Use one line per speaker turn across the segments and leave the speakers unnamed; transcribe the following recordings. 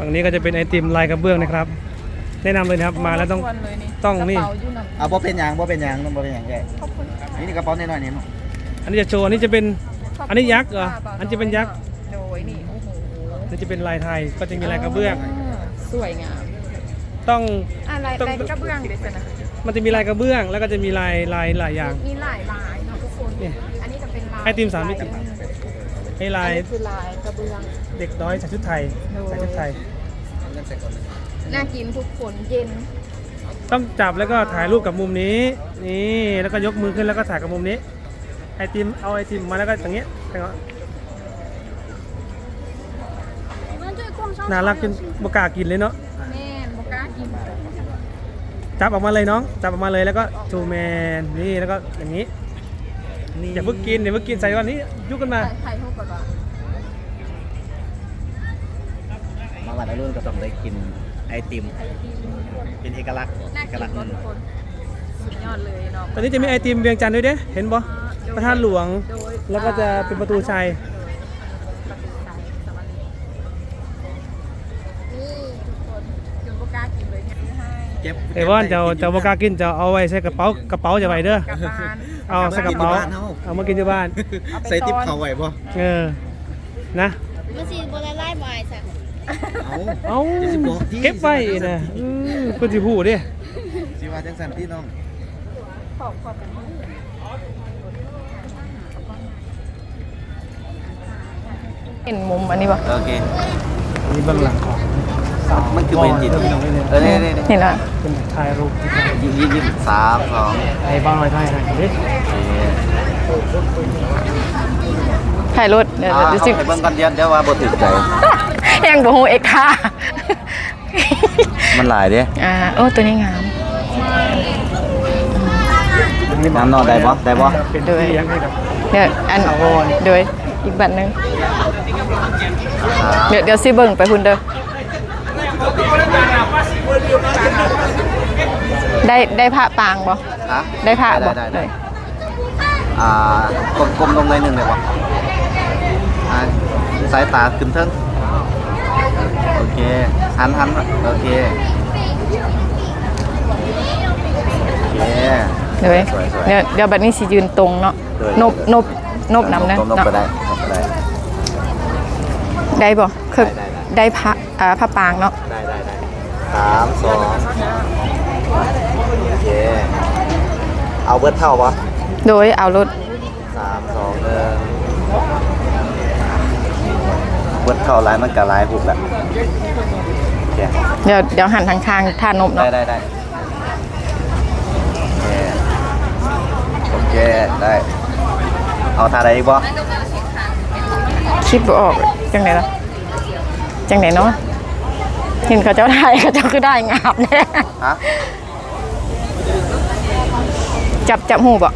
ฝั่งนี้ก็จะเป็นไอติมลายกระเบื้องนะครับแนะนำเลยนะครับมาแล้วต้องนี่
เอาบ่เป็นอย่างแกนี่กระเป๋าน้อยๆนี่
อันนี้จะโชว์อันนี้จะเป็นอันนี้ยักษ์เหรออันนี้จะเป็นยักษ์
โดยนี่โอ้โห
นี่จะเป็นลายไทยก็จะมีลายกระเบื้อง
สวยงาม
ต้อง
อะไรกระเบื้องเด็ดนะ
มันจะมีลายกระเบื้องแล้วก็จะมีลายหลายอย่าง
มีหลายลายเนาะทุกคนอันนี้จะเป็นลาย
ไอติม3 มิติให้ลาย
คือลายกระเบื้อง
เด็กน้อยใส่ชุดไทย
น่ากินทุกคนเย็น
ต้องจับแล้วก็ถ่ายรูปกับมุมนี้นี่แล้วก็ยกมือขึ้นแล้วก็ถ่ายกับมุมนี้ไอติมเอาไอติมมาแล้วก็อย่างเงี้ยน่ารักจนบกล้ากินเลยเนาะ
แม่บกล้ากิน
จับออกมาเลยน้องจับออกมาเลยแล้วก็ทูแมนนี่แล้วก็อย่างนี้อย่าเพิ่งกินใส่ก่อนนี้ยุกกันมา
ไข่เท่ากับว่า
มาวันรุ่นก็ต้องได้กินไอติมเป็นเอกลักษณ์
ทุกคนสุดยอดเลยเนาะ
ตอนนี้จะมีไอติมเวียงจันทร์ด้วยเด้เห็นบ่พระธาตุหลวงแล้วก็จะเป็นประตูชัย
นี่ทุกคนจนบกล้ากินเลยเนี่ย
ไอ้ว่านจะบกล้ากินจะเอาไว้ใส่กระเป๋าจะไว้เด้อเอาใส่กระเป๋าเอามากินที่บ้าน
ใส่ติ๊บเขาไว้บ่
นะ
มันสิบ่ละลายบ่อยซะ
เอาเก็บไว้นะเพิ่นสิฮู้เด้
สิว่าจังซั่นพี่น้อง
ขอบเห็นมุมอันนี้ป่ะ
โอเค
นี่เบื้องหลังของ
มันคือเป็นจิตนี่
เห็นแล้ว
เป็นถ่ายรูป
3 2
ไอ้บ้างไว้ถ่ายดิ
ถ่ายรถเดี๋ยว
สิไปเบิ่งก่อนเดี๋ยวว่าบ่ถึกใจ
ยังบ่ฮู้เอกค่ะ
มันหลายเด้
โอ้ตัวนี้งาม
น้ำนอนได้บ่
โดย
เดี๋ยวอันโดยอีกบัตรนึงเดี๋ยวสิเบิ่งไปพุ่นเด้อได้ผ้าปางบ่ได้ผ้าบ่
ได้กลมๆลงหน่อยนึงได้บ่สายตาขึ้นเทิงโอเคหันโอเค
เดี๋ยวบัดนี้สิยืนตรงเนาะนบนำนะ
นบก็ได้
ได้บ่คือได้ผ้าปางเนาะ
ได้3 2โอเคเอาเบิดเท่าบ่
โดยเอารถ
3 2 1เบิดเท่าหลายมันก็หลายหุบแหละโอเค
เดี๋ยวหันทางข้างท่านบเนาะ
ได้โอเคได้เอาท่าใดอีกบ่
คิดบ่ออกจังไหนล่ะจังไหนเนาะเห็นเขาเจ้าไทยเขาเจ้าคือได้งามแน่
ฮะ
จับหูบ่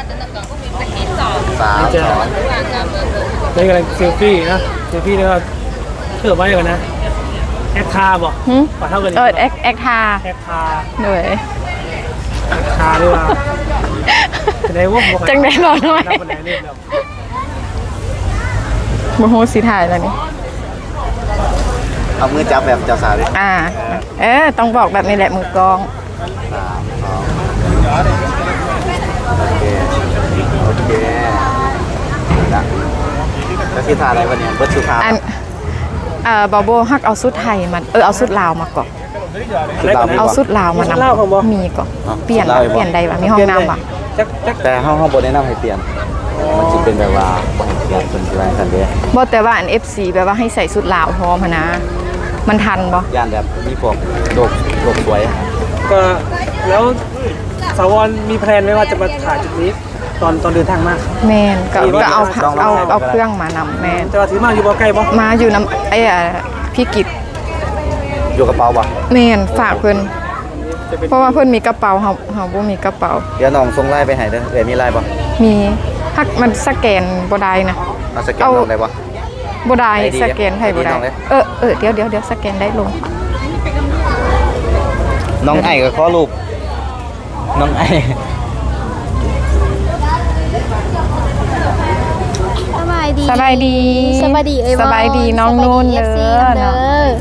3 2
นี่กำลังเซลฟี่นะเซลฟี่แล้วก็เถื่อไว้ก่อนนะแอคทาบ่ปะเท่ากัน
แอคทาเลย
ทาด้วยว่า
จังไหนบ่น้อยบ่ฮู้สิถ่ายแล้วนี่
เอามือจับแบบเจ้าสาวดิ
ต้องบอกแบบนี้แหละมือกอง
โอเคแล้วที่ทาอะไรวะเนี่ยเบิร์ดสุธา
บาโบฮักเอาสุดไทยมันเอาสุดลาวมาก่อนเอาสุดลาวมานำมีก่อนเปลี่ยนใดวะมีห้องน้ำวะ
แต่ห้องบนแนะนำให้เปลี่ยนมันจะเป็นแบบว่าเปลี่ยนเป็นอะไรกันเดีย
บ่แต่ว่าอัน FC แปลว่าให้ใส่สุดลาวพร้อมนะมันทันบ่
ย่านแบบมีพวกโลกสวย
ก็แล้วสาวรมีแพลนไว้ว่าจะมาถ่ายจุดนี้ตอนเดินทางมา
แมนก็เอาเครื่องมานำแมน
จะถือมาอยู่บ่ใกล้บ่
มาอยู่น้ำพี่กิจ
อยู่กระเป๋าบ่
แมนฝากเพิ่นเพราะว่าเพิ่นมีกระเป๋าเฮาบ่มีกระเป๋า
เดี๋ยวน้องส่งไลน์ไปให้เด้อมีไลน์บ่
มีฮักมันสแกนบ่ได้นะ
สแกนน้องได้บ่
บ่ได้สแกนให้บ่ได้เดี๋ยวสแกนได้ลง
น้องไอ้ก็ขอรูปน้องไอ้
สบายดี
น้องนุ่นเด้อส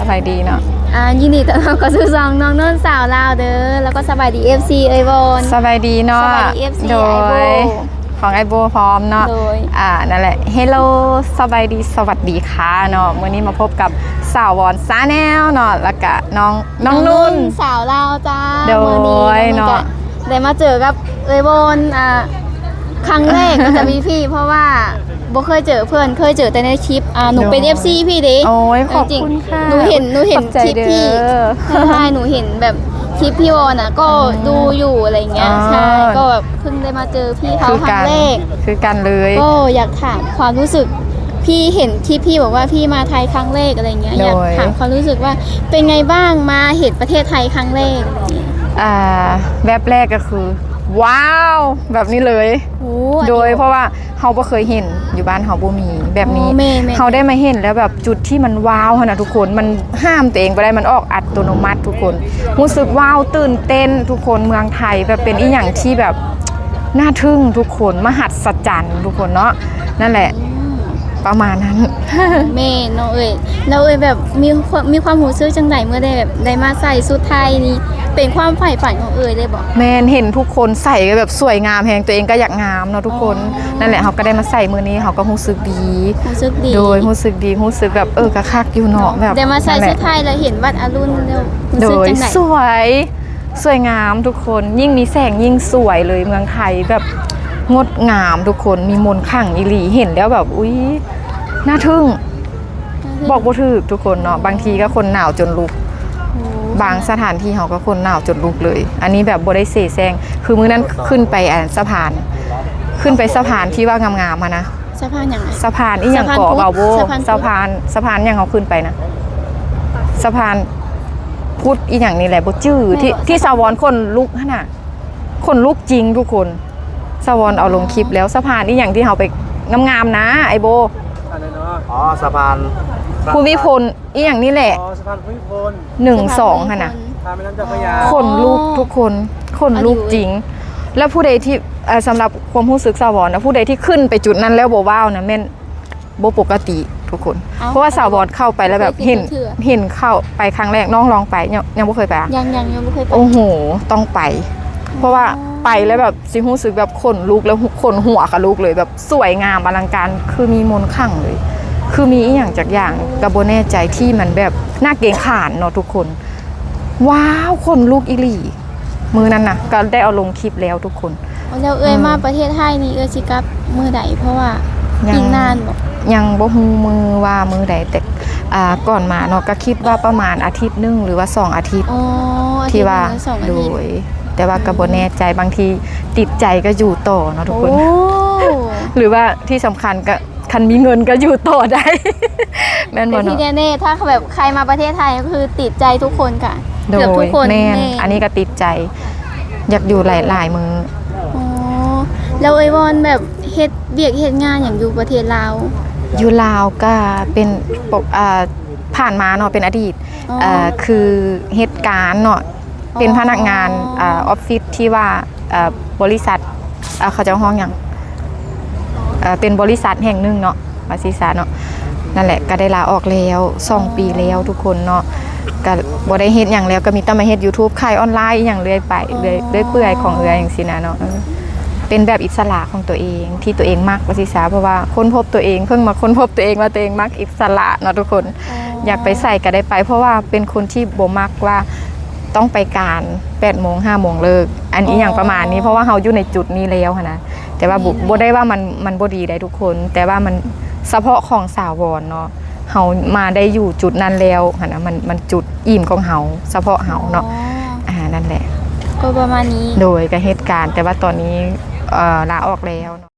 บายดีเนาะ
ยินดีต้อนรับเข้าสู่ซองน้องนุ่นสาวลาวเด้อแล้วก็สบายดี FC เอ้ยบอน
สบายดีเนาะ
สบายดี FC
โด
ไอโบ
ยของไอโบพร้อมเนาะ
โดย
นั่นแหละเฮลโลสบายดีสวัสดีค่ะเนาะมื้อนี้มาพบกับสาววอนซาแนลเนาะแล้วก็น้องนุ่น
สาวลาวจ้า
โดย
มื้อนี้
เนาะ
ได้มาเจอกับเอ้ยบอนครั้งแรกก็จะมีพี่เพราะว่าบ่เคยเจอเพื่อนเคยเจอแต่ในคลิปหนูเป็น FC พี่เด้
โอ้ยขอบ
จริง
คุณค่ะ
หนูเห็น
ขอบใจ
คลิปพี่
เด้อ
ใช่หนูเห็นแบบคลิปพี่วอนก็ดูอยู่อะไรเงี้ย
อ๋อ
ใช่ก็แบบเพิ่งได้มาเจอพี่เขาครั้งแรก
คือกันเลย
ก็อยากถามความรู้สึกพี่เห็นคลิปพี่บอกว่าพี่มาไทยครั้งแรกอะไรเงี้ย
โดย
อยากถามความรู้สึกว่าเป็นไงบ้างมาเห็นประเทศไทยครั้งแรกอะไรเงี้ย
แบบแรกก็คือ ว้าวแบบนี้เลย
โอ้
โดยเพราะว่าเฮาบ่เคยเห็นอยู่บ้านเฮาบ่มีแบบนี้
อ๋อแม่
เฮาได้มาเห็นแล้วแบบจุดที่มันว้าวขนาดทุกคนมันห้ามตัวเองบ่ได้มันออกอัตโนมัติทุกคนรู้สึกว้าวตื่นเต้นทุกคนเมืองไทยแบบเป็นอีหยังที่แบบน่าทึ่งทุกคนมหัศจรรย์ทุกคนเนาะนั่นแหละประมาณนั้น
แม่เนาะเราแบบมีความรู้สึกจังไดเมื่อได้แบบได้มาใส่ชุดไทยนี่เป็นความใฝ่ฝันของเลยบอก
แมนเห็นทุกคนใส่ก็แบบสวยงามแฮงตัวเองก็อยากงามเนาะทุกคน
อ๋อ
นั่นแหละเขาก็ได้มาใส่มือนี้เขาก็รู้สึกดี
รู้สึกดี
โดยรู้สึกดีรู้สึกแบบกะคักอยู่เนาะแบบ
ได้มาใส่
นั่นแห
ชุ
ละ
ดไทยแล้วเห็นวัดอรุณแล้ว
โด
รู้สึก
ย
จังได
สวยงามทุกคนยิ่งมีแสงยิ่งสวยเลยเมืองไทยแบบงดงามทุกคนมีมนต์ขลังอีหลีเห็นแล้วแบบอุ๊ยน่าทึ่งบอกบ่ถูกทุกคนเนาะบางทีก็คนหนาวจนลุก บางสถานที่เขาก็คนหนาวจนลุกเลย อันนี้แบบบ่ได้เสแสร้งคือมื้อนั้นขึ้นไปสะพาน ขึ้นไปสะพานที่ว่างามๆอะนะ
สะพานอย่างไร
สะพานอีหยังเกาะเบาโบ
สะพานพุทธ
สะพานหยังเขาขึ้นไปนะสะพานพุทธอีหยังนี่แหละบ่จื้อที่สาวรคนลุกหั่นน่ะคนลุกจริงทุกคนสาวรเอาลงคลิปแล้วสะพานอีหยังที่เขาไปงามๆนะไอโบ
อะไรเนาะ
อ๋อสะพาน
ภูมิพลอีหยังนี่แหละ
อ๋อสะพานภูมิพล
1 2หั่นน่ะ
ทางแม่น้ำเจ้าพระยา
ขนลุกทุกคนขนลุกจริง แล้วผู้ใดที่สำหรับความรู้สึกสาวรนะผู้ใดที่ขึ้นไปจุดนั้นแล้วบ่ว้าวนะแม่นบ่ปกติทุกคน เพราะว่าสาวรเข้าไปแล้วแบบเห็นเข้าไปครั้งแรกน้องลองไปยังบ่เคยไปอะ
ยังไม่เคยไป
โอ้โหต้องไป เพราะว่าไปแล้วแบบสิรู้สึกแบบขนลุกแล้วขนหัวกับลุกเลยแบบสวยงามอลังการคือมีมนต์ขลังเลย คือมีอีหยังจากอย่างกระโบแน่ใจที่มันแบบน่าเกรงขามเนาะทุกคน ว้าวขนลุกอีหลีมือนั้นนะก็ได้เอาลงคลิปแล้วทุกคน
แล้วมาประเทศไทยนี่สิกลับมือใดเพราะว่า
ยัง
อีกนานบอก
ยังบ่ฮู้มือว่ามือใดแต่ก่อนมาเนาะก็คิดว่าประมาณอาทิตย์หนึงหรือว่า2อาทิตย์
อ๋ออาทิต
ที่
ย์
ว่า
หนึ่งสองอา
โด
ทิตย์
ย แต่ว่าก็บ่แน่ใจบางทีติดใจก็อยู่ต่อเนาะทุกคน
โอ้
หรือว่าที่สำคัญก็คันมีเงินก็อยู่ต่อได้ แม่น
แต่
บ่
ที่
เนาะ
แน่ๆถ้าแบบใครมาประเทศไทยก็คือติดใจทุกคนค่ะ
โด
เกือบทุ
ย
กคน
แม่น
แน่
อันนี้ก็ติดใจ อยากอยู่หลายๆมือ
อ๋อแล้ววอนแบบเฮ็ดเบียกเฮ็ดงานอย่างอยู่ประเทศลาว
อยู่ลาวก็เป็นปกผ่านมาเนาะเป็นอดีต
อ๋อ
คือเหตุการณ์เนาะเป็นพนักงาน
อ๋อ
ออฟฟิศที่ว่าบริษัทเขาจะห้องอย่างเป็นบริษัทแห่งหนึ่งเนาะบริษัทเนาะนั่นแหละก็ได้ลาออกแล้ว2 ปีแล้วทุกคนเนาะก็บ่ได้เฮ็ดอย่างแล้วก็มีแต่มาเฮ็ด YouTube ขายออนไลน์อหย่างเรื่อยไปเรื่อยเปื่อยของอย่างซี่นะเนาะเป็นแบบอิสระของตัวเองที่ตัวเองมักว่าสิซะเพราะว่าค้นพบตัวเองเพิ่งมาค้นพบตัวเองว่าตัวเองมักอิสระเนาะทุกคน อยากไปใส่ก็ได้ไป เพราะว่าเป็นคนที่บ่มักว่าต้องไปการ8 โมง 5 โมงเลิกอันนี้อย่างประมาณนี้เพราะว่าเฮาอยู่ในจุดนี้แล้วหั้นนะแต่ว่าบ่ได้ว่ามันบ่ดีได้ทุกคน แต่ว่ามันเฉพาะของสาวรเนาะเฮามาได้อยู่จุดนั้นแล้วหั้นนะมันจุดอิ่มของเฮาเฉพาะเฮาเนาะนั่นแหละ
ก็ประมาณนี้
โดยกับเหตุการณ์แต่ว่าตอนนี้ลาออกแล้วเนาะ